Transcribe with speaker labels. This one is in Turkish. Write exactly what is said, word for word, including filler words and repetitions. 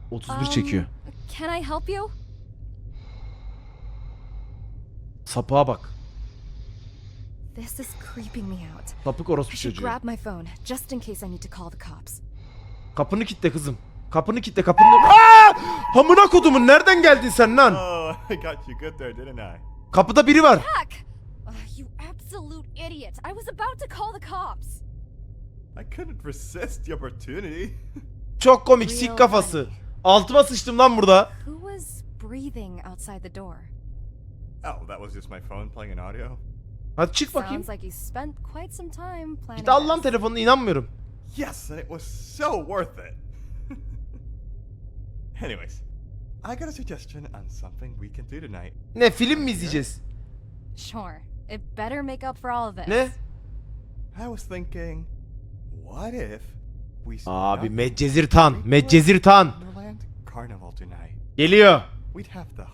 Speaker 1: otuz bir çekiyor.
Speaker 2: Um, can I help you?
Speaker 1: Sapığa bak.
Speaker 2: This is creeping me out.
Speaker 1: Sapık
Speaker 2: I
Speaker 1: orospu
Speaker 2: should
Speaker 1: çocuğu.
Speaker 2: grab my phone just in case I need to call the cops.
Speaker 1: Kapını kilitle kızım. Kapını kilitle kapını. Aa! Hamına kodumun nereden geldin sen lan?
Speaker 3: Oh, I got you good there, didn't I?
Speaker 1: Kapıda biri var.
Speaker 2: Jack! Ugh, you absolute idiot. I was about to call the cops.
Speaker 3: I couldn't resist the opportunity.
Speaker 1: Çok komik sik kafası. Altıma sıçtım lan burada.
Speaker 2: Who was breathing outside the door?
Speaker 3: Oh, that was just my phone playing an audio.
Speaker 1: Hadi çık bakayım.
Speaker 2: Sounds like you spent quite some time planning
Speaker 1: Git al lan
Speaker 2: this.
Speaker 1: telefonunu, inanmıyorum.
Speaker 3: Yes, and it was so worth it. Anyways, I got a suggestion on something we can do tonight.
Speaker 1: Ne, film mi izleyeceğiz?
Speaker 2: Sure. It better make up for all of this.
Speaker 1: Ne?
Speaker 3: I was thinking, what if we split
Speaker 1: Abi
Speaker 3: up
Speaker 1: Medcezir Tan,
Speaker 3: and
Speaker 1: Medcezir Tan.
Speaker 3: Wonderland Carnival tonight?
Speaker 1: Geliyor.
Speaker 3: We'd have the